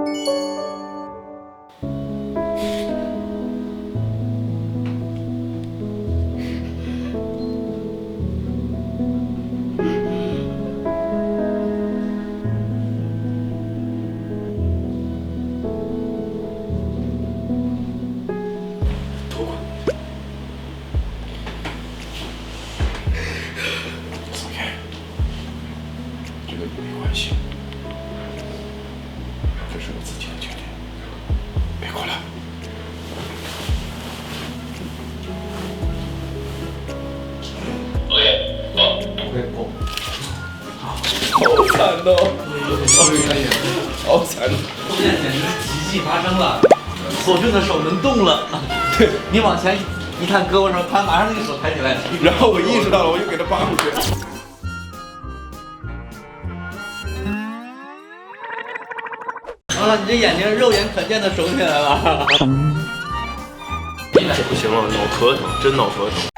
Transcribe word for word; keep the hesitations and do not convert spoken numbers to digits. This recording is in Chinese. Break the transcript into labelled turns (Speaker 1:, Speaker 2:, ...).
Speaker 1: 没关系，这是我自己的决定，别哭了。OK， 好 ，OK， 过。好惨哦！好惨！
Speaker 2: 现在简直是奇迹发生了，索俊的手能动了。
Speaker 1: 对，
Speaker 2: 你往前一看胳膊上，他马上那个手抬起来。
Speaker 1: 然后我意识到了，我就给他扒出去。
Speaker 2: 啊！你这眼睛肉眼可见的肿起来了。
Speaker 1: 不行了，脑壳疼，真脑壳疼。